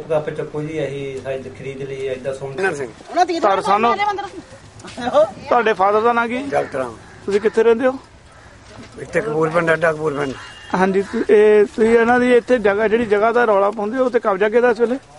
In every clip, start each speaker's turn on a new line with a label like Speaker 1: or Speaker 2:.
Speaker 1: ਗੱਪ ਚੱਕੋ ਜੀ, ਅਸੀਂ ਸਾਈਜ਼ ਖਰੀਦ ਲਈ ਏਦਾਂ ਸੋਹਣੀ।
Speaker 2: ਤੁਹਾਡੇ ਫਾਦਰ ਦਾ ਨਾਂ ਕੀ?
Speaker 3: ਡਾਕਟਰ
Speaker 2: ਤੁਸੀਂ ਕਿੱਥੇ ਰਹਿੰਦੇ ਹੋ?
Speaker 3: ਇੱਥੇ ਕਪੂਰਪਿੰਡ ਅੱਡਾ ਕਪੂਰਪਿੰਡ।
Speaker 2: ਹਾਂਜੀ, ਤੁਸੀਂ ਇਹਨਾਂ ਦੀ ਇੱਥੇ ਜਗ੍ਹਾ ਜਿਹੜੀ ਜਗ੍ਹਾ ਦਾ ਰੌਲਾ ਪਾਉਂਦੇ ਹੋ ਤੇ ਕਬਜ਼ਾ ਕਿਹਦਾ ਇਸ ਵੇਲੇ?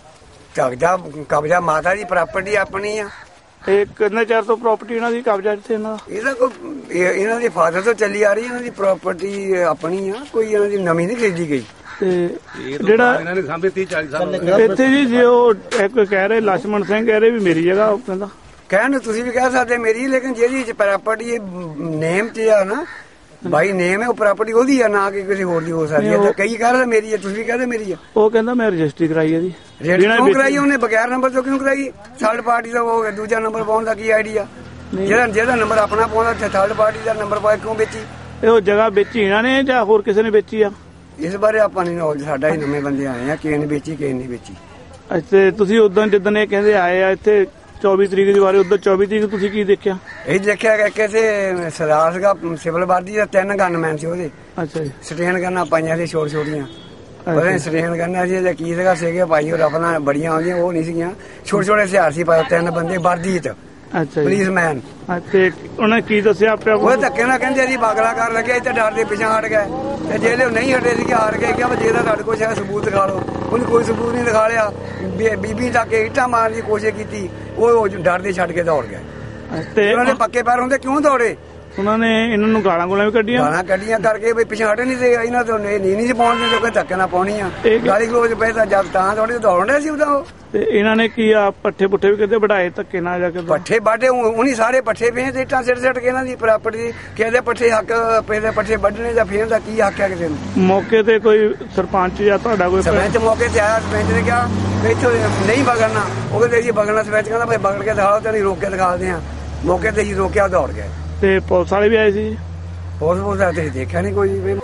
Speaker 3: ਕਬਜ਼ਾ ਮਾਤਾ ਦੀ ਪ੍ਰਾਪਰਟੀ ਆਪਣੀ ਆ।
Speaker 2: ਇਹ ਕਿੰਨੇ ਚਿਰ ਤੋਂ ਪ੍ਰਾਪਰਟੀ ਇਹਨਾਂ ਦੀ ਕਬਜ਼ਾ ਇੱਥੇ ਇਹਨਾਂ ਦਾ?
Speaker 3: ਇਹਦਾ ਕੋਈ ਇਹਨਾਂ ਦੇ ਫਾਦਰ ਤੋਂ ਚੱਲੀ ਆ ਰਹੀ, ਇਹਨਾਂ ਦੀ ਪ੍ਰਾਪਰਟੀ ਆਪਣੀ ਆ, ਕੋਈ ਇਹਨਾਂ ਦੀ ਨਵੀਂ ਨਹੀਂ ਖਰੀਦੀ ਗਈ।
Speaker 2: ਤੇ ਜਿਹੜਾ
Speaker 4: ਇਹਨਾਂ ਨੇ ਸਾਂਭੇ 30-40 ਸਾਲ
Speaker 2: ਇੱਥੇ ਜੀ ਜੇ ਉਹ ਇੱਕ ਕਹਿ ਰਹੇ ਲਛਮਣ ਸਿੰਘ ਕਹਿ ਰਹੇ ਵੀ ਮੇਰੀ ਜਗ੍ਹਾ, ਉਹ ਕਹਿੰਦਾ
Speaker 3: ਕਹਿਣ ਨੂੰ ਤੁਸੀਂ ਵੀ ਕਹਿ ਸਕਦੇ ਮੇਰੀ, ਲੇਕਿਨ ਜਿਹਦੀ ਪ੍ਰਾਪਰਟੀ ਨੇਮ 'ਚ ਆ ਨਾ, ਬਾਈ ਨੇਮ ਹੈ, ਉਹ ਪ੍ਰਾਪਰਟੀ ਉਹਦੀ ਆ, ਨਾ ਕਿ ਕਿਸੇ ਹੋਰ ਦੀ ਹੋ ਸਕਦੀ ਹੈ। ਕਈ ਕਹਿ ਰਹੇ ਮੇਰੀ ਹੈ, ਤੁਸੀਂ ਵੀ ਕਹਦੇ ਮੇਰੀ ਆ।
Speaker 2: ਉਹ ਕਹਿੰਦਾ ਮੈਂ ਰਜਿਸਟਰੀ ਕਰਾਈ ਹੈ ਜੀ।
Speaker 3: ਕਿਉਂ ਕਰਾਈ ਉਹਨੇ? ਬਗੈਰ ਨੰਬਰ ਤੋਂ ਕਿਉਂ ਕਰਾਈ? ਥਰਡ ਪਾਰਟੀ ਦਾ ਉਹ ਦੂਜਾ ਨੰਬਰ ਪਾਉਣ ਦਾ ਕੀ ਆਈਡੀਆ? ਜਿਹਦਾ ਨੰਬਰ ਆਪਣਾ ਪਾਉਂਦਾ ਥਰਡ ਪਾਰਟੀ ਦਾ ਨੰਬਰ ਪਾ ਕਿਉਂ ਵੇਚੀ?
Speaker 2: ਇਹ ਜਗ੍ਹਾ ਵੇਚੀ ਇਹਨਾਂ ਨੇ ਜਾਂ ਹੋਰ ਕਿਸੇ ਨੇ ਵੇਚੀ ਆ?
Speaker 3: ਇਸ ਬਾਰੇ ਆਪਾਂ ਨਹੀਂ ਨੌਲੇਜ, ਸਾਡਾ ਹੀ ਨਵੇਂ ਬੰਦੇ ਆਏ ਆ, ਕਿਸੇ ਨੇ ਵੇਚੀ ਕਿਸੇ ਨੇ ਵੇਚੀ।
Speaker 2: ਇੱਥੇ ਤੁਸੀਂ ਉਦੋਂ ਜਿੱਦਣ ਇਹ ਕਹਿੰਦੇ ਆਏ ਆ ਇੱਥੇ 24 ਤਰੀਕ ਦੀ ਵਾਰੀ, ਉਦੋਂ 24 ਤਰੀਕ ਤੁਸੀਂ ਕੀ ਦੇਖਿਆ?
Speaker 3: ਇਹ ਦੇਖਿਆ ਕਿ ਕਿਸੇ ਸਰਦਾਰ ਸੀਗਾ ਸਿਵਲ ਵਰਦੀ ਦਾ, 3 ਗਨਮੈਨ ਸੀ ਉਹਦੇ।
Speaker 2: ਅੱਛਾ ਜੀ।
Speaker 3: ਸਟੇਨ ਕਰਨਾ ਪਾਈਆਂ ਸੀ ਛੋਟੀਆਂ, ਪਤਾ ਨਹੀਂ ਸਟੇਨ ਕਰਨਾ ਸੀ ਜਾਂ ਕੀ ਸੀਗਾ, ਸੀਗੇ ਭਾਈ ਉਹ ਆਪਣਾ ਬੜੀਆਂ ਆਉਂਦੀਆਂ, ਉਹ ਨਹੀਂ ਸੀਗੀਆਂ, ਛੋਟੇ ਹਥਿਆਰ ਸੀ ਪਾਏ, 3 ਬੰਦੇ ਵਰਦੀ 'ਚ,
Speaker 2: ਅੱਛਾ
Speaker 3: ਪੁਲਿਸਮੈਨ।
Speaker 2: ਤੇ ਉਹਨੇ ਕੀ ਦੱਸਿਆ ਆਪਿਆ?
Speaker 3: ਉਹ ਧੱਕੇ ਨਾਲ ਕਹਿੰਦੇ ਜੀ ਬਾਗਲਾ ਕਰ ਲੱਗਿਆ, ਇੱਥੇ ਡਰ ਦੇ ਪਿੱਛੇ ਹਟ ਗਏ, ਤੇ ਜਿਹੜੇ ਉਹ ਨਹੀਂ ਹਟੇ ਸੀ ਹਾਰ ਗਏ। ਕਿਹਾ ਜੇ ਤਾਂ ਤੁਹਾਡੇ ਕੋਲ ਸ਼ਾਇਦ ਸਬੂਤ ਦਿਖਾ ਲਓ, ਉਹਨੇ ਕੋਈ ਸਬੂਤ ਨਹੀਂ ਦਿਖਾ ਲਿਆ। ਬੀਬੀ ਤੱਕ ਇੱਟਾਂ ਮਾਰਨ ਦੀ ਕੋਸ਼ਿਸ਼ ਕੀਤੀ, ਉਹ ਡਰ ਦੇ ਛੱਡ ਕੇ ਦੌੜ ਗਏ। ਤੇ ਉਹਨਾਂ ਦੇ ਪੱਕੇ ਪੈਰ ਹੁੰਦੇ ਕਿਉਂ ਦੌੜੇ?
Speaker 2: ਉਹਨਾਂ ਨੇ ਇਹਨਾਂ ਨੂੰ ਗਾਲਾਂ ਵੀ ਕੱਢੀਆਂ।
Speaker 3: ਗਾਲਾਂ ਕੱਢੀਆਂ ਕਰਕੇ ਵੀ ਪਿੱਛੇ ਹਟੇ ਨਹੀਂ ਸੀ, ਇਹਨਾਂ ਤੋਂ ਨਹੀਂ ਸੀ ਪਾਉਣ ਜੋ ਕਿ ਧੱਕੇ ਨਾਲ ਪਾਉਣੀ ਆ। ਗਾਲੀ ਗਲੋਚ ਪਏ ਤਾਂ ਜਦ ਤਾਂ ਥੋੜੇ ਦੌੜਨ ਰਹੇ ਸੀ ਉਦੋਂ। ਉਹ
Speaker 2: ਤੇ ਇਹਨਾਂ ਨੇ ਕੀ ਆ ਪੱਠੇ ਪੁੱਠੇ ਵੀ ਕਹਿੰਦੇ ਵਢਾਏ ਧੱਕੇ ਨਾਲ ਜਾ ਕੇ?
Speaker 3: ਪੱਠੇ ਬਾਡੇ ਉਹਨੀ ਸਾਰੇ ਪੱਠੇ ਪਏ ਤੇ ਇੱਟਾਂ ਸਿੱਟ ਕੇ ਇਹਨਾਂ ਦੀ ਪ੍ਰਾਪਰਟੀ ਕਹਿੰਦੇ ਪੱਠੇ ਹੱਕ ਪਏ, ਪੱਠੇ ਵੱਢਣੇ ਜਾਂ ਫੇਰ ਦਾ ਕੀ ਹੱਕ ਹੈ ਕਿਸੇ ਨੂੰ? ਮੌਕੇ
Speaker 2: ਤੇ ਕੋਈ ਸਰਪੰਚ ਜਾਂ ਤੁਹਾਡਾ ਕੋਈ
Speaker 3: ਸਰਪੰਚ ਮੌਕੇ ਤੇ ਆਇਆ, ਸਰਪੰਚ ਨੇ ਕਿਹਾ ਵੀ ਇੱਥੋਂ ਨਹੀਂ ਵਗੜਨਾ। ਉਹ ਕਹਿੰਦੇ ਜੀ ਵਗੜਨਾ, ਸਰਪੰਚ ਕਹਿੰਦਾ ਭਾਈ ਵਗੜ ਕੇ ਦਿਖਾਓ, ਤੇ ਨਹੀਂ ਰੋਕ ਕੇ ਦਿਖਾਉਂਦੇ ਆ। ਮੌਕੇ ਤੇ ਜੀ ਰੋਕਿਆ, ਦੌੜ ਗਏ।
Speaker 2: ਤੇ ਪੁਲਿਸ ਵਾਲੇ ਵੀ ਆਏ ਸੀ?
Speaker 3: ਪੁਲਿਸ ਦਾ ਤੇ ਦੇਖਿਆ ਨਹੀਂ ਕੋਈ ਵੀ।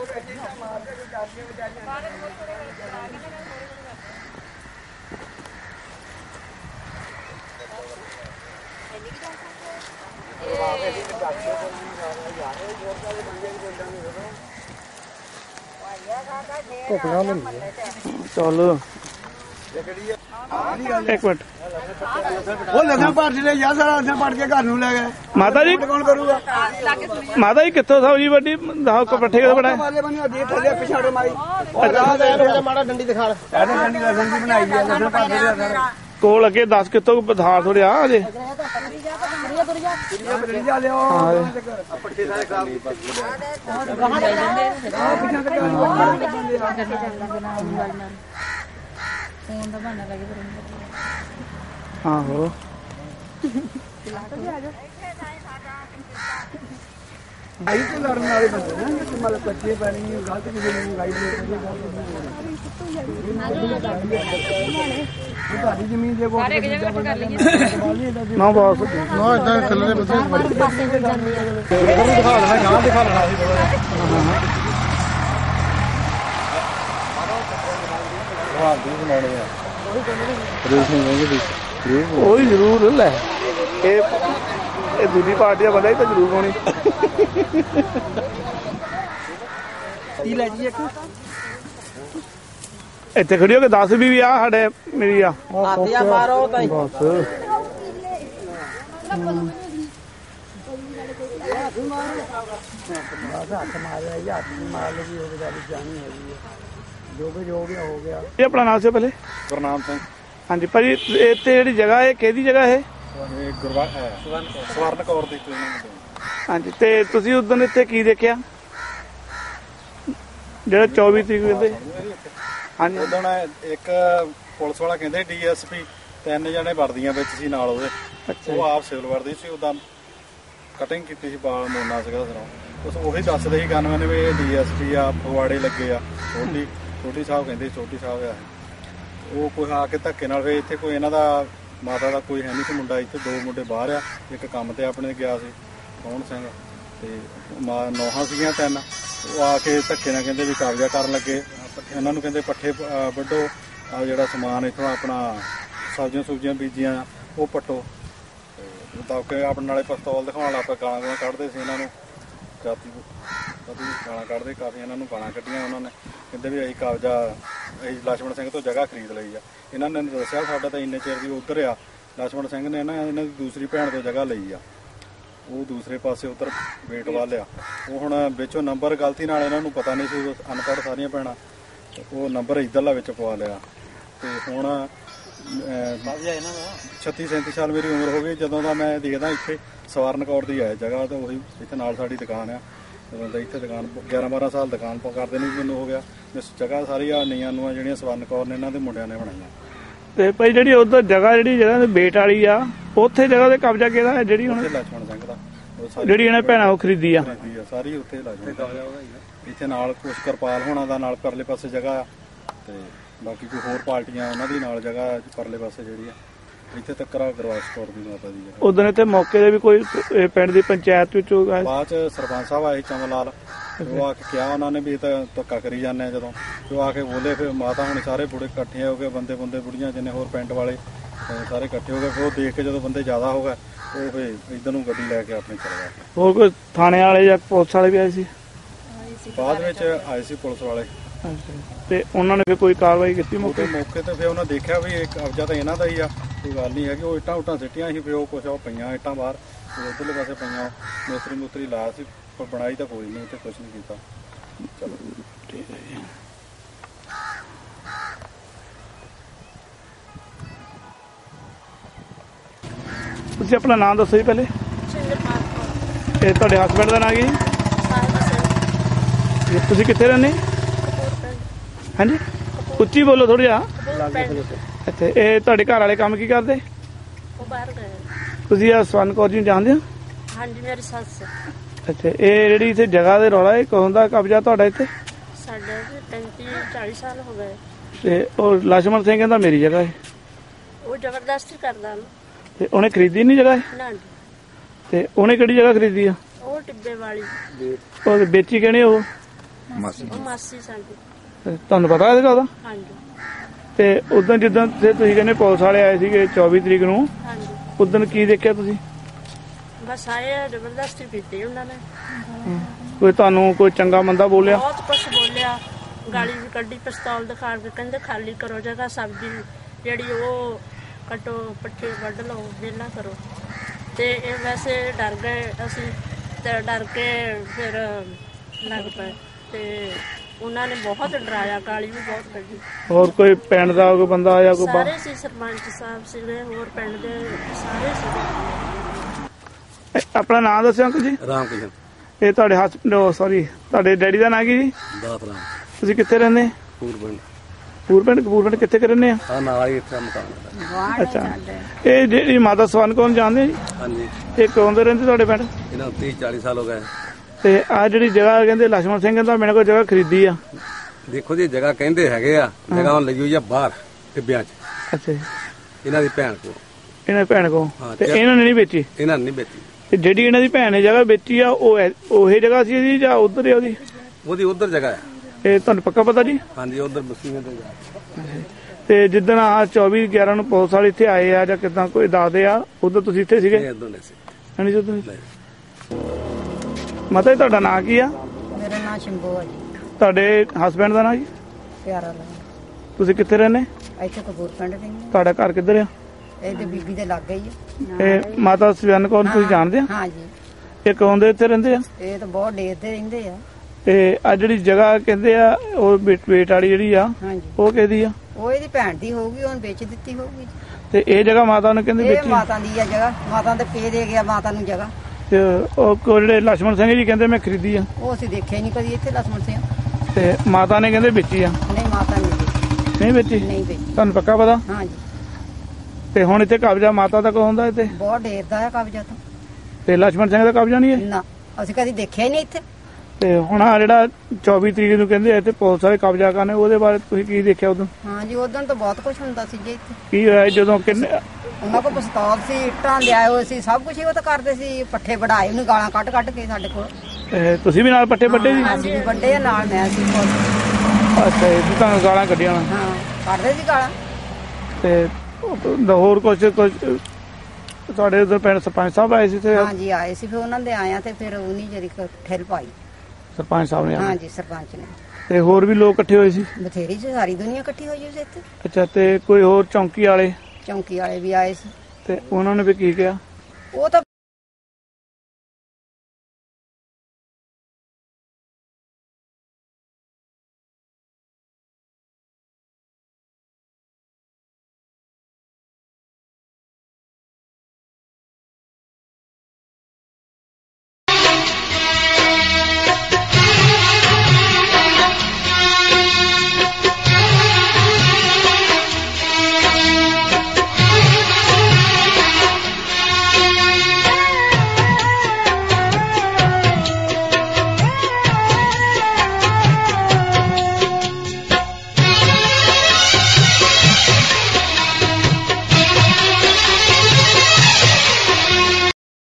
Speaker 2: ਚਲੋ ਇੱਕ ਮਿੰਟ,
Speaker 3: ਉਹ ਲਸਣ ਭਰ ਜਿਹੜੇ ਯਾਰ ਸਾਰਾ ਲਸਣ ਭਰ ਕੇ ਘਰ ਨੂੰ ਲੈ ਗਏ।
Speaker 2: ਮਾਤਾ ਜੀ
Speaker 3: ਕੌਣ ਕਰੂਗਾ?
Speaker 2: ਮਾਤਾ ਜੀ ਕਿੱਥੋਂ ਸਬਜ਼ੀ ਵੱਡੀ ਪੱਠੇ ਕਿੱਥੇ ਬਣਾਏ?
Speaker 3: ਪਿਛਾੜੇ ਮਾਰੀ
Speaker 4: ਮਾੜਾ ਡੰਡੀ ਦਿਖਾ ਲੈ।
Speaker 3: ਡੰਡੀ ਲਸਣ ਦੀ ਬਣਾਈ ਹੈ, ਲਸਣ ਭਰ ਦੇ ਸਾਰਾ
Speaker 2: ਕੋਲ ਅੱਗੇ 10 ਕਿੱਥੋਂ ਬਧਾਰ ਥੋੜੇ ਆ ਅਜੇ। ਆਹੋ
Speaker 3: ਆਈ ਤੇ ਲੜਨ ਵਾਲੇ ਬੰਦੇ ਨਾ, ਮਤਲਬ ਕੱਚੇ ਪਾਣੀ ਗਲਤ ਕਿਸੇ ਨੂੰ ਗਾਈਡ ਤੁਹਾਡੀ ਜ਼ਮੀਨ ਦੇ ਕੋਲ
Speaker 2: ਨਾ ਬਸ
Speaker 4: ਨਾ ਇਦਾਂ ਥੱਲੇ ਦੇ ਬੰਦੇ ਦਿਖਾ ਦੇਣਾ, ਗਾਂ ਦਿਖਾ ਲੈਣਾ ਸੀ
Speaker 2: ਉਹ ਹੀ ਜ਼ਰੂਰ ਲੈ। ਇਹ ਦੂਜੀ ਪਾਰਟੀ ਦਾ ਬੰਦਾ ਹੀ ਤਾਂ ਜ਼ਰੂਰ ਹੋਣੀ। ਇੱਥੇ ਖੜੀ ਹੋ ਕੇ 10 ਵੀ ਆ ਸਾਡੇ ਮੇਰੀ ਆ
Speaker 5: ਮਾਰੋ ਤਾਂ
Speaker 2: ਬਸ। ਇਹ ਆਪਣਾ ਨਾਮ ਸੀ ਪਹਿਲੇ?
Speaker 4: ਗੁਰਨਾਮ ਸਿੰਘ।
Speaker 2: ਹਾਂਜੀ ਭਾਜੀ, ਇੱਥੇ ਜਿਹੜੀ ਜਗ੍ਹਾ ਹੈ ਕਿਹਦੀ ਜਗ੍ਹਾ ਹੈ?
Speaker 4: ਸਵਰਨ ਕੌਰ ਦੀ।
Speaker 2: ਹਾਂਜੀ, ਤੇ ਤੁਸੀਂ ਉਦੋਂ ਇੱਥੇ ਕੀ ਦੇਖਿਆ ਜਿਹੜਾ 24 ਤਰੀਕ ਕਹਿੰਦੇ? ਹਾਂਜੀ,
Speaker 4: ਉਦੋਂ ਇੱਕ ਪੁਲਿਸ ਵਾਲਾ ਕਹਿੰਦੇ DSP 3 ਜਣੇ ਵਰਦੀਆਂ ਵਿੱਚ ਸੀ ਨਾਲ ਉਹਦੇ। ਉਹ ਆਪ ਸਿਵਲ ਵਰਦੀ ਸੀ, ਉਦਾਂ ਕਟਿੰਗ ਕੀਤੀ ਸੀ, ਬਾਲ ਮੋਨਾ ਸੀਗਾ ਸਿਰੋਂ। ਉਹੀ ਦੱਸਦੇ ਸੀ ਗਨਮੈਨ ਵੀ DSP ਆ, ਫਗਵਾੜੇ ਲੱਗੇ ਆ। ਛੋਟੀ ਸਾਹਿਬ ਕਹਿੰਦੇ, ਛੋਟੀ ਸਾਹਿਬ ਆ ਉਹ। ਕੋਈ ਆ ਕੇ ਧੱਕੇ ਨਾਲ ਫਿਰ ਇੱਥੇ ਕੋਈ ਇਹਨਾਂ ਦਾ ਮਾਤਾ ਦਾ ਕੋਈ ਹੈ ਨਹੀਂ ਸੀ ਮੁੰਡਾ, ਇੱਥੇ 2 ਮੁੰਡੇ ਬਾਹਰ ਆ, ਇੱਕ ਕੰਮ ਤੇ ਆਪਣੇ ਗਿਆ ਸੀ ਕੌਣ ਸਿੰਘ, ਤੇ ਨੌਹਾਂ ਸੀਗੀਆਂ 3। ਉਹ ਆ ਕੇ ਧੱਕੇ ਨਾਲ ਕਹਿੰਦੇ ਵੀ ਕਬਜ਼ਾ ਕਰਨ ਲੱਗੇ। ਇਹਨਾਂ ਨੂੰ ਕਹਿੰਦੇ ਪੱਠੇ ਵੱਢੋ, ਆ ਜਿਹੜਾ ਸਮਾਨ ਇੱਥੋਂ ਆਪਣਾ ਸਬਜ਼ੀਆਂ ਬੀਜੀਆਂ ਉਹ ਪੱਟੋ। ਦਬਕੇ ਆਪਣੇ ਨਾਲੇ ਪਿਸਤੌਲ ਦਿਖਾਉਣ ਲੱਗ ਪਏ, ਗਾਲਾਂ ਕੱਢਦੇ ਸੀ ਇਹਨਾਂ ਨੂੰ, ਕਾਫੀ ਗਾਲਾਂ ਕੱਢਦੇ, ਕਾਫੀ ਇਹਨਾਂ ਨੂੰ ਗਾਲਾਂ ਕੱਢੀਆਂ ਉਹਨਾਂ ਨੇ। ਕਹਿੰਦੇ ਵੀ ਅਸੀਂ ਕਬਜ਼ਾ ਲਛਮਣ ਸਿੰਘ ਤੋਂ ਜਗ੍ਹਾ ਖਰੀਦ ਲਈ ਆ। ਇਹਨਾਂ ਨੇ ਦੱਸਿਆ ਸਾਡਾ ਤਾਂ ਇੰਨੇ ਚਿਰ ਦੀ ਉੱਧਰ ਆ। ਲਛਮਣ ਸਿੰਘ ਨੇ ਇਹਨਾਂ ਦੀ ਦੂਸਰੀ ਭੈਣ ਤੋਂ ਜਗ੍ਹਾ ਲਈ ਆ, ਉਹ ਦੂਸਰੇ ਪਾਸੇ ਉੱਧਰ ਵੇਟ ਵੱਲ ਆ। ਉਹ ਹੁਣ ਵਿੱਚੋਂ ਨੰਬਰ ਗਲਤੀ ਨਾਲ ਇਹਨਾਂ ਨੂੰ ਪਤਾ ਨਹੀਂ ਸੀ, ਅਨਪੜ੍ਹ ਸਾਰੀਆਂ ਭੈਣਾਂ, ਉਹ ਨੰਬਰ ਇੱਧਰਲਾ ਵਿੱਚ ਪਵਾ ਲਿਆ। ਤੇ ਹੁਣ 36-37 ਸਾਲ ਮੇਰੀ ਉਮਰ ਹੋ ਗਈ ਜਦੋਂ ਦਾ ਮੈਂ ਦੇਖਦਾ ਇੱਥੇ ਸਵਰਨ ਕੌਰ ਦੀ ਹੈ ਜਗ੍ਹਾ, ਤਾਂ ਉਹੀ ਇੱਥੇ ਨਾਲ ਸਾਡੀ ਦੁਕਾਨ ਆ। ਜਦੋਂ ਦਾ ਇੱਥੇ ਦੁਕਾਨ 11-12 ਸਾਲ ਦੁਕਾਨ ਕਰਦੇ ਨਹੀਂ ਮੈਨੂੰ ਹੋ ਗਿਆ। ਇਸ ਜਗ੍ਹਾ ਸਾਰੀ ਆ ਨੀਆਂ ਨੂੰ ਜਿਹੜੀਆਂ ਸਵਰਨ ਕੌਰ ਨੇ ਇਹਨਾਂ ਦੇ ਮੁੰਡਿਆਂ ਨੇ ਬਣਾਈਆਂ।
Speaker 2: ਤੇ ਭਾਈ ਜਿਹੜੀ ਉਧਰ ਜਿਹੜੀ ਜਗ੍ਹਾ ਬੇਟ ਵਾਲੀ ਆ, ਉੱਥੇ ਜਗ੍ਹਾ ਤੇ ਕਬਜ਼ਾ ਕਿਹਦਾ ਹੈ? ਜਿਹੜੀ ਹੁਣ
Speaker 4: ਲਛਮਣ ਸਿੰਘ ਦਾ,
Speaker 2: ਜਿਹੜੀ ਇਹਨਾਂ ਭੈਣਾਂ ਉਹ ਖਰੀਦੀ ਆ
Speaker 4: ਸਾਰੀ ਉੱਥੇ ਲਛਮਣ। ਇੱਥੇ ਨਾਲ ਕੁਛ ਕਿਰਪਾਲ ਹੋਣਾ ਦਾ ਨਾਲ ਪਰਲੇ ਪਾਸੇ ਜਗ੍ਹਾ ਆ, ਤੇ ਬਾਕੀ ਕੋਈ ਹੋਰ ਪਾਰਟੀਆਂ ਉਹਨਾਂ ਦੀ ਨਾਲ ਜਗ੍ਹਾ ਪਰਲੇ ਪਾਸੇ ਜਿਹੜੀ ਆ। ਇੱਥੇ ਤੱਕ ਗੁਰਵਾਸ ਕੌਰ ਦੀ ਮਾਤਾ ਦੀ ਜਗ੍ਹਾ।
Speaker 2: ਉਦੋਂ ਇੱਥੇ ਮੌਕੇ ਦੇ ਵੀ ਕੋਈ ਪਿੰਡ ਦੀ ਪੰਚਾਇਤ ਵਿੱਚੋਂ
Speaker 4: ਬਾਅਦ ਚ ਸਰਪੰਚ ਸਾਹਿਬ ਆਏ ਚਮਨ ਲਾਲ, ਉਹ ਆ ਕੇ ਕਿਹਾ ਉਹਨਾਂ ਨੇ ਵੀ ਇਹ ਤਾਂ ਧੱਕਾ ਕਰੀ ਜਾਂਦੇ ਆ। ਜਦੋਂ ਉਹ ਆ ਕੇ ਬੋਲੇ, ਫਿਰ ਮਾਤਾ ਹੁਣ ਸਾਰੇ ਬੁੜੇ ਇਕੱਠੇ ਹੋ ਗਏ, ਬੰਦੇ ਬੁੜੀਆਂ ਜਿੰਨੇ ਹੋਰ ਪਿੰਡ ਵਾਲੇ ਸਾਰੇ ਇਕੱਠੇ ਹੋ ਗਏ। ਫਿਰ ਉਹ ਦੇਖ ਕੇ ਜਦੋਂ ਬੰਦੇ ਜ਼ਿਆਦਾ ਹੋ ਗਏ, ਉਹ ਫਿਰ ਇੱਧਰ ਨੂੰ ਗੱਡੀ ਲੈ ਕੇ ਆਪਣੇ ਚਲੇ ਗਏ।
Speaker 2: ਹੋਰ ਕੋਈ ਥਾਣੇ ਵਾਲੇ ਜਾਂ ਪੁਲਿਸ ਵਾਲੇ ਵੀ ਆਏ ਸੀ?
Speaker 4: ਬਾਅਦ ਵਿੱਚ ਆਏ ਸੀ ਪੁਲਿਸ ਵਾਲੇ,
Speaker 2: ਤੇ ਉਹਨਾਂ ਨੇ ਫਿਰ ਕੋਈ ਕਾਰਵਾਈ ਕੀਤੀ ਮੌਕੇ
Speaker 4: ਤੇ? ਫਿਰ ਉਹਨਾਂ ਦੇਖਿਆ ਵੀ ਇਹ ਕਬਜ਼ਾ ਤਾਂ ਇਹਨਾਂ ਦਾ ਹੀ ਆ, ਕੋਈ ਗੱਲ ਨਹੀਂ ਹੈਗੀ। ਉਹ ਇੱਟਾਂ ਉੱਟਾਂ ਸਿੱਟੀਆਂ ਸੀ, ਫਿਰ ਉਹ ਕੁਛ ਉਹ ਪਈਆਂ ਇੱਟਾਂ ਬਾਹਰ ਉੱਧਰਲੇ ਪਾਸੇ ਪਈਆਂ। ਮਿਸਤਰੀ ਲਾਇਆ ਸੀ, ਪਰ ਬਣਾਈ ਤਾਂ ਕੋਈ ਨਹੀਂ, ਇੱਥੇ ਕੁਛ ਨਹੀਂ ਕੀਤਾ। ਚਲੋ
Speaker 2: ਠੀਕ ਹੈ ਜੀ। ਤੁਸੀਂ ਆਪਣਾ ਨਾਮ ਦੱਸੋ ਜੀ ਪਹਿਲੇ। ਇਹ ਤੁਹਾਡੇ ਹਸਬੈਂਡ ਦਾ ਨਾਮ ਕੀ ਜੀ? ਤੁਸੀਂ ਕਿੱਥੇ ਰਹਿੰਦੇ? ਹਾਂਜੀ, ਉੱਚੀ ਬੋਲੋ ਥੋੜਾ ਜਿਹਾ। ਅੱਛਾ, ਇਹ ਤੁਹਾਡੇ ਘਰ ਵਾਲੇ ਕੰਮ ਕੀ ਕਰਦੇ?
Speaker 5: ਉਹ ਬਾਹਰ ਗਏ।
Speaker 2: ਤੁਸੀਂ ਆ ਸਵਰਨ ਕੌਰ ਜੀ ਨੂੰ ਜਾਣਦੇ ਹੋ?
Speaker 5: ਹਾਂਜੀ, ਮੇਰੀ ਸੱਸ।
Speaker 2: ਅੱਛਾ, ਇਹ ਜਿਹੜੀ ਇੱਥੇ ਜਗ੍ਹਾ ਦੇ ਰੌਲਾ, ਇਹ ਕਦੋਂ ਦਾ ਕਬਜ਼ਾ ਤੁਹਾਡਾ ਇੱਥੇ?
Speaker 5: ਸਾਡੇ 35-40 ਸਾਲ ਹੋ ਗਏ।
Speaker 2: ਤੇ ਉਹ ਲਛਮਣ ਸਿੰਘ ਕਹਿੰਦਾ ਮੇਰੀ ਜਗ੍ਹਾ ਹੈ।
Speaker 5: ਉਹ ਜ਼ਬਰਦਸਤੀ ਕਰਦਾ ਨਾ।
Speaker 2: ਤੇ ਉਹਨੇ ਖਰੀਦੀ ਨਹੀਂ ਜਗ੍ਹਾ ਇਹ?
Speaker 5: ਨਾ,
Speaker 2: ਤੇ ਉਹਨੇ ਕਿਹੜੀ ਜਗ੍ਹਾ ਖਰੀਦੀ ਆ?
Speaker 5: ਉਹ ਟਿੱਬੇ ਵਾਲੀ।
Speaker 2: ਉਹ ਵੇਚੀ ਕਿਹਨੇ? ਉਹ
Speaker 5: ਉਹ ਮਾਸੀ ਸਾਡੀ।
Speaker 2: ਤੇ ਤੁਹਾਨੂੰ ਪਤਾ ਇਹਦਾ ਉਹਦਾ?
Speaker 5: ਹਾਂਜੀ।
Speaker 2: ਤੇ ਉਦੋਂ ਜਿੱਦਾਂ ਤੁਸੀਂ ਕਹਿੰਦੇ ਪੁਲਿਸ ਵਾਲੇ ਆਏ ਸੀਗੇ 24 ਤਰੀਕ ਨੂੰ,
Speaker 5: ਹਾਂਜੀ,
Speaker 2: ਉਦੋਂ ਕੀ ਦੇਖਿਆ ਤੁਸੀਂ?
Speaker 5: ਬਸ ਆਏ ਜ਼ਬਰਦਸਤੀ ਕੀਤੀ ਉਹਨਾਂ ਨੇ।
Speaker 2: ਕੋਈ ਤੁਹਾਨੂੰ ਕੋਈ ਚੰਗਾ ਮੰਦਾ ਬੋਲਿਆ?
Speaker 5: ਬਹੁਤ ਕੁਛ ਬੋਲਿਆ, ਗਾਲੀ ਵੀ ਕੱਢੀ, ਪਿਸਤੌਲ ਦਿਖਾ ਕੇ ਕਹਿੰਦੇ ਖਾਲੀ ਕਰੋ ਜਗ੍ਹਾ, ਸਬਜ਼ੀ ਜਿਹੜੀ ਉਹ ਕੱਟੋ, ਪੱਠੇ ਵੱਢ ਲਓ, ਵਿਹਲਾ ਕਰੋ। ਤੇ ਇਹ ਵੈਸੇ ਡਰ ਗਏ ਅਸੀਂ, ਤੇ ਡਰ ਕੇ ਫਿਰ ਲੱਗ ਪਏ। ਤੇ ਉਹਨਾਂ ਨੇ ਬਹੁਤ ਡਰਾਇਆ, ਗਾਲੀ ਵੀ ਬਹੁਤ ਕੱਢੀ।
Speaker 2: ਹੋਰ ਕੋਈ ਪਿੰਡ ਦਾ ਕੋਈ ਬੰਦਾ ਆਇਆ? ਕੋਈ
Speaker 5: ਸਾਰੇ ਸੀ, ਸਰਪੰਚ ਸਾਹਿਬ ਸੀਗੇ, ਹੋਰ ਪਿੰਡ ਦੇ ਸਾਰੇ ਸੀਗੇ।
Speaker 2: ਆਪਣਾ ਨਾਮ ਦੱਸਿਓ ਅੰਕਲ ਜੀ।
Speaker 6: ਰਾਮ ਕਿਸ਼ਨ।
Speaker 2: ਇਹ ਤੁਹਾਡੇ ਸੌਰੀ ਤੁਹਾਡੇ ਡੈਡੀ ਦਾ ਨਾਂ ਕੀ ਜੀ?
Speaker 6: ਦਾਤ ਰਾਮ।
Speaker 2: ਤੁਸੀਂ ਕਿੱਥੇ ਰਹਿੰਦੇ? ਕਪੂਰਪਿੰਡ ਕਿੱਥੇ ਰਹਿੰਦੇ ਆ?
Speaker 6: ਹਾਂ, ਨਾਲ ਹੀ ਇੱਥੇ ਮਕਾਨ।
Speaker 2: ਅੱਛਾ, ਇਹ ਜਿਹੜੀ ਮਾਤਾ ਸਵਰਨ ਕੌਰ ਜਾਣਦੇ ਆ ਜੀ?
Speaker 6: ਹਾਂਜੀ।
Speaker 2: ਇਹ ਕਦੋਂ ਦੇ ਰਹਿੰਦੇ ਤੁਹਾਡੇ ਪਿੰਡ?
Speaker 6: ਇਹਨਾਂ ਨੂੰ 30-40 ਸਾਲ ਹੋ ਗਏ।
Speaker 2: ਤੇ ਆ ਜਿਹੜੀ ਜਗ੍ਹਾ ਕਹਿੰਦੇ ਲਛਮਣ ਸਿੰਘ ਕਹਿੰਦਾ ਮੇਰੇ ਕੋਲ ਜਗ੍ਹਾ ਖਰੀਦੀ ਆ।
Speaker 6: ਦੇਖੋ ਜੀ, ਜਗ੍ਹਾ ਕਹਿੰਦੇ ਹੈਗੇ ਆ, ਜਗ੍ਹਾ ਹੁਣ ਲਈ ਹੋਈ ਆ ਬਾਹਰ ਟਿੱਬਿਆਂ 'ਚ।
Speaker 2: ਅੱਛਾ ਜੀ,
Speaker 6: ਇਹਨਾਂ ਦੀ ਭੈਣ ਕੋਲ।
Speaker 2: ਇਹਨਾਂ ਦੀ ਭੈਣ ਕੋਲ? ਤੇ ਇਹਨਾਂ ਨੇ ਨਹੀਂ ਵੇਚੀ?
Speaker 6: ਇਹਨਾਂ ਨੇ ਨਹੀਂ ਵੇਚੀ।
Speaker 2: ਤੇ ਜਿਹੜੀ ਇਹਨਾਂ ਦੀ ਭੈਣ ਨੇ ਜਗ੍ਹਾ ਵੇਚੀ ਆ, ਉਹ ਇਹ ਜਗ੍ਹਾ ਸੀ ਜੀ ਜਾਂ ਉਧਰ ਹੈ
Speaker 6: ਉਹਦੀ ਉਧਰ ਜਗ੍ਹਾ ਹੈ।
Speaker 2: ਇਹ ਤੁਹਾਨੂੰ ਪੱਕਾ ਪਤਾ ਜੀ?
Speaker 6: ਹਾਂਜੀ, ਉਧਰ ਬਸਤੀਆਂ ਤੇ ਜਾ।
Speaker 2: ਤੇ ਜਿੱਦਣ ਆ 24/11 ਨੂੰ ਪੁਲਿਸ ਵਾਲੇ ਇੱਥੇ ਆਏ ਆ ਜਾਂ ਕਿਦਾਂ ਕੋਈ ਦੱਸਦੇ ਆ, ਉਦੋਂ ਤੁਸੀਂ ਇੱਥੇ ਸੀਗੇ? ਹਾਂਜੀ, ਜਦੋਂ ਮਾਤਾ ਜੀ ਤੁਹਾਡਾ ਨਾਂ ਕੀ ਆ?
Speaker 7: ਮੇਰਾ ਨਾਮ ਸ਼ੰਭੂ ਆ ਜੀ।
Speaker 2: ਤੁਹਾਡੇ ਹਸਬੈਂਡ ਦਾ ਨਾਂ ਜੀ?
Speaker 7: ਪਿਆਰਾ ਲਾ।
Speaker 2: ਤੁਸੀਂ ਕਿੱਥੇ ਰਹਿੰਦੇ?
Speaker 7: ਇੱਥੇ ਕਪੂਰਪਿੰਡ ਰਹਿੰਦੇ।
Speaker 2: ਤੁਹਾਡਾ ਘਰ ਕਿੱਧਰ ਆ?
Speaker 7: ਇਹ ਤੇ ਬੀਬੀ ਦੇ ਲੱਗ ਗਈ ਆ।
Speaker 2: ਇਹ ਮਾਤਾ ਸਵਰਨ ਕੌਰ ਤੁਸੀਂ ਜਾਣਦੇ ਆ?
Speaker 7: ਹਾਂ ਜੀ।
Speaker 2: ਇਹ ਕਦੋਂ ਦੇ ਇੱਥੇ ਰਹਿੰਦੇ ਆ?
Speaker 7: ਇਹ ਤਾਂ ਬਹੁਤ ਡੇਰਦੇ ਰਹਿੰਦੇ ਆ।
Speaker 2: ਤੇ ਆ ਜਿਹੜੀ ਜਗ੍ਹਾ ਕਹਿੰਦੇ ਆ ਉਹ ਵੇਟ ਵਾਲੀ ਜਿਹੜੀ ਆ,
Speaker 7: ਹਾਂਜੀ,
Speaker 2: ਉਹ ਕਿਹਦੀ ਆ?
Speaker 7: ਉਹ ਇਹਦੀ ਭੈਣ ਦੀ ਹੋਊਗੀ, ਉਹਨੇ ਵੇਚ ਦਿੱਤੀ ਹੋਊਗੀ।
Speaker 2: ਤੇ ਇਹ ਜਗ੍ਹਾ ਮਾਤਾ ਨੂੰ ਕਹਿੰਦੇ
Speaker 7: ਇਹ
Speaker 2: ਵੇਚੀ?
Speaker 7: ਮਾਤਾ ਦੀ ਆ ਜਗ੍ਹਾ, ਮਾਤਾ ਦੇ ਪੇ ਦੇ ਗਿਆ ਮਾਤਾ ਨੂੰ ਜਗ੍ਹਾ।
Speaker 2: ਤੇ ਉਹ ਜਿਹੜੇ ਲਛਮਣ ਸਿੰਘ ਜੀ ਕਹਿੰਦੇ ਮੈਂ ਖਰੀਦੀ ਆ,
Speaker 7: ਉਹ ਅਸੀਂ ਦੇਖਿਆ ਨਹੀਂ ਕਦੀ ਇੱਥੇ ਲਛਮਣ ਸਿੰਘ।
Speaker 2: ਤੇ ਮਾਤਾ ਨੇ ਕਹਿੰਦੇ ਵੇਚੀ ਆ?
Speaker 7: ਨਹੀਂ, ਮਾਤਾ
Speaker 2: ਨਹੀਂ ਵੇਚੀ।
Speaker 7: ਨਹੀਂ ਵੇਚੀ।
Speaker 2: ਤੁਹਾਨੂੰ ਪੱਕਾ ਪਤਾ?
Speaker 7: ਹਾਂ ਜੀ।
Speaker 2: ਤੇ ਹੁਣ ਇੱਥੇ ਕਬਜ਼ਾ ਮਾਤਾ ਦਾ ਕੋਲ ਹੁੰਦਾ ਇੱਥੇ?
Speaker 7: ਬਹੁਤ ਡੇਰਦਾ ਆ ਕਬਜ਼ਾ ਤਾਂ।
Speaker 2: ਤੇ ਲਛਮਣ ਸਿੰਘ ਦਾ ਕਬਜ਼ਾ ਨਹੀਂ ਹੈ?
Speaker 7: ਨਾ, ਅਸੀਂ ਕਦੀ ਦੇਖਿਆ ਹੀ ਨਹੀਂ ਇੱਥੇ।
Speaker 2: ਤੇ ਹੁਣ ਆ ਜਿਹੜਾ 24 ਤਰੀਕ ਨੂੰ ਕਹਿੰਦੇ ਇੱਥੇ ਪੁਲਿਸ ਵਾਲੇ ਕਬਜ਼ਾ ਕਰਨੇ, ਉਹਦੇ ਬਾਰੇ ਤੁਸੀਂ ਕੀ ਦੇਖਿਆ ਉਦੋਂ?
Speaker 7: ਹਾਂ ਜੀ, ਉਦੋਂ ਤਾਂ ਬਹੁਤ ਕੁਝ ਹੁੰਦਾ ਸੀ ਜੀ ਇੱਥੇ।
Speaker 2: ਕੀ ਹੋਇਆ ਜਦੋਂ ਕਿੰਨੇ
Speaker 7: ਉਹਨਾਂ ਕੋਲ ਪਿਸਤੌਲ ਸੀ, ਇੱਟਾਂ ਲਿਆਏ ਹੋਏ ਸੀ, ਸਭ ਕੁਝ ਉਹ ਤਾਂ ਕਰਦੇ ਸੀ। ਪੱਠੇ ਵਢਾਏ, ਉਹਨੂੰ ਗਾਲਾਂ ਕੱਢ ਕੇ ਸਾਡੇ ਕੋਲ।
Speaker 2: ਤੁਸੀਂ ਵੀ ਨਾਲ ਪੱਠੇ ਵੱਡੇ ਸੀ?
Speaker 7: ਅਸੀਂ ਵੀ ਵੱਡੇ ਆ, ਨਾਲ ਮੈਂ ਸੀ।
Speaker 2: ਅੱਛਾ, ਇਹ ਤੁਹਾਨੂੰ ਗਾਲਾਂ ਕੱਢੀਆਂ?
Speaker 7: ਹਾਂ, ਕੱਢਦੇ ਸੀ ਗਾਲਾਂ।
Speaker 2: ਤੇ ਹੋਰ ਕੁਝ ਤੁਹਾਡੇ ਉਧਰ ਪਿੰਡ ਸਰਪੰਚ ਸਾਹਿਬ ਆਏ ਸੀ? ਤੇ
Speaker 7: ਹਾਂਜੀ, ਆਏ ਸੀ। ਫਿਰ ਉਹਨਾਂ ਦੇ ਆਇਆ ਤੇ ਫਿਰ ਉਹਨੀ ਜਿਹੜੀ ਠਹਿਲ ਪਾਈ
Speaker 2: ਸਰਪੰਚ ਸਾਹਿਬ ਨੇ?
Speaker 7: ਹਾਂਜੀ, ਸਰਪੰਚ ਨੇ।
Speaker 2: ਤੇ ਹੋਰ ਵੀ ਲੋਕ ਇਕੱਠੇ ਹੋਏ ਸੀ?
Speaker 7: ਬਥੇਰੀ ਸੀ, ਸਾਰੀ ਦੁਨੀਆ ਇਕੱਠੀ ਹੋਈ ਸੀ ਇੱਥੇ।
Speaker 2: ਅੱਛਾ, ਤੇ ਕੋਈ ਹੋਰ ਚੌਂਕੀ ਵਾਲੇ?
Speaker 7: ਚੌਂਕੀ ਵਾਲੇ ਵੀ ਆਏ ਸੀ।
Speaker 2: ਤੇ ਉਹਨਾਂ ਨੇ ਵੀ ਕੀ ਕਿਹਾ?
Speaker 7: ਉਹ ਤਾਂ